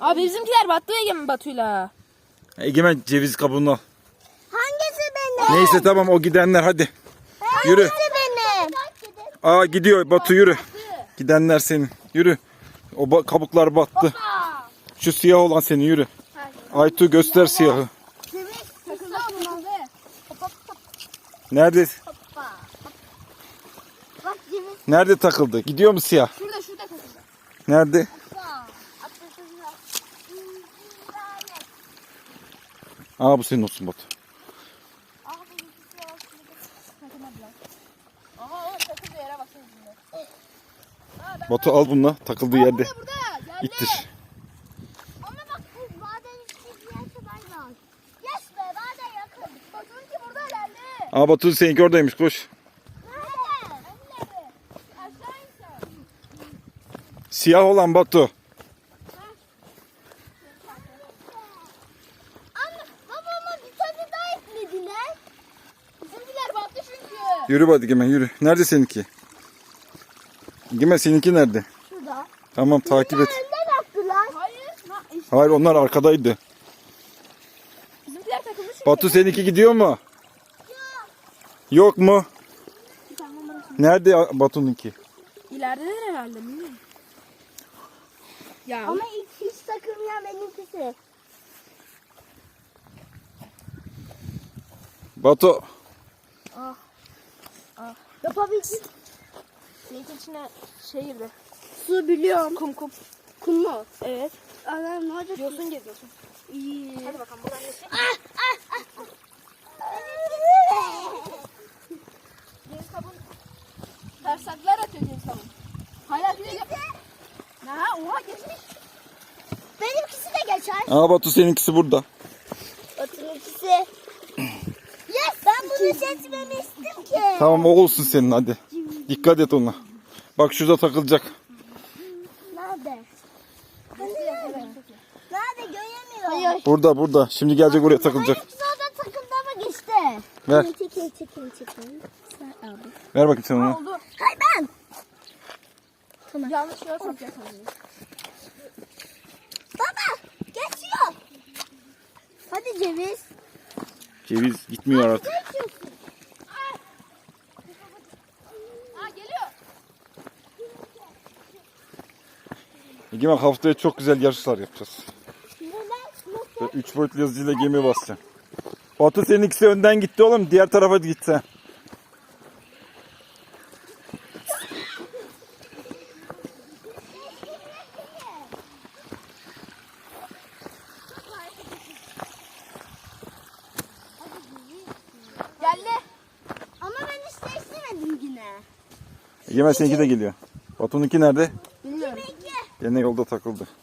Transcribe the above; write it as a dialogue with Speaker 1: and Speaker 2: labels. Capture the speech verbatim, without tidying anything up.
Speaker 1: Abi bizimkiler battı Egemen Batu'yla.
Speaker 2: Egemen ceviz kabuğunu al.
Speaker 3: Hangisi benim?
Speaker 2: Neyse tamam o gidenler hadi. Yürü.
Speaker 3: Hangisi benim?
Speaker 2: Aa gidiyor Batu yürü. Gidenler senin. Yürü. O ba- kabuklar battı. Şu siyah olan senin yürü. Aytu göster siyahı.
Speaker 3: Takıldı abi.
Speaker 2: Nerede?
Speaker 3: Bak ceviz.
Speaker 2: Nerede takıldı? Gidiyor mu siyah?
Speaker 1: Şurada şurada takıldı.
Speaker 2: Nerede? Aa bu senin olsun Batu.
Speaker 1: Aha o takıldı yere bakın şimdi.
Speaker 2: Batu al bununla takıldığı yerde.
Speaker 1: Burada burada. Geldi.
Speaker 2: İttir.
Speaker 3: Ama bak bu bazen hiçbir yerse ben var. Yes be bazen yakın.
Speaker 1: Batu'nunki burada geldi.
Speaker 2: Aa Batu seninki oradaymış koş.
Speaker 3: Nerede?
Speaker 1: Aşağı insen.
Speaker 2: Siyah olan Batu.
Speaker 3: Ama babama bir tane daha eklediler.
Speaker 1: Bizimkiler battı çünkü.
Speaker 2: Yürü hadi Egemen yürü. Nerede seninki? Egemen seninki nerede?
Speaker 3: Şurada.
Speaker 2: Tamam takip et.
Speaker 3: Önden attılar.
Speaker 1: Hayır. Ha, işte.
Speaker 2: Hayır onlar arkadaydı.
Speaker 1: Bizimkiler takıldı çünkü.
Speaker 2: Batu seninki gidiyor mu? Yok mu? Nerede Batu'nunki?
Speaker 1: İleridedir herhalde bilmiyorum. Ya
Speaker 3: Ama ilk hiç takılmayan benimkisi.
Speaker 2: Batu.
Speaker 3: Yapabildim.
Speaker 1: senin içine şey girdi.
Speaker 3: Su biliyorum.
Speaker 1: Kum kum.
Speaker 3: Kum mu?
Speaker 1: Evet.
Speaker 3: Anam ne olacak?
Speaker 1: Yosun geziyorsun.
Speaker 3: İyi.
Speaker 1: Hadi bakalım bu annesi. Ceviz kabuğu. Tersaklar atıyor ceviz kabuğu. Hala gidiyor. Ha oha geçmiş.
Speaker 3: Benimkisi de geçer.
Speaker 2: Aa Batu seninkisi burada.
Speaker 3: Batu'nunkisi. Yes. Ben bunu seçmemiştim ki.
Speaker 2: Tamam o olsun senin hadi. Dikkat et ona. Bak şurada takılacak.
Speaker 3: Nerede? Nerede göremiyorum. Hayır.
Speaker 2: Burada burada. Şimdi gelecek oraya takılacak.
Speaker 3: Hayır orada takıldı ama geçti.
Speaker 2: Ver.
Speaker 3: Çekin çekin çekin. Sen abi.
Speaker 2: Ver bakayım sen ona.
Speaker 1: Oldu.
Speaker 3: Hayır ben.
Speaker 1: Yanlış yere sokacak sanırım.
Speaker 3: Baba geçiyor. Hadi ceviz.
Speaker 2: Ceviz gitmiyor artık.
Speaker 3: Geçiyorsun.
Speaker 1: Ha geliyor.
Speaker 2: Egemen haftaya çok güzel yarışlar yapacağız.
Speaker 3: Neden? Nasıl?
Speaker 2: Böyle üç boyutlu yazıcıyla gemi basacağım. Batu seninkisi önden gitti oğlum. Diğer tarafa gitsen.
Speaker 1: Geldi.
Speaker 3: Ama ben hiç değiştirmedim yine.
Speaker 2: Egemen seninki de geliyor. Batu'nunki nerede?
Speaker 1: Bilmiyorum.
Speaker 3: Peki.
Speaker 2: Gene yolda takıldı.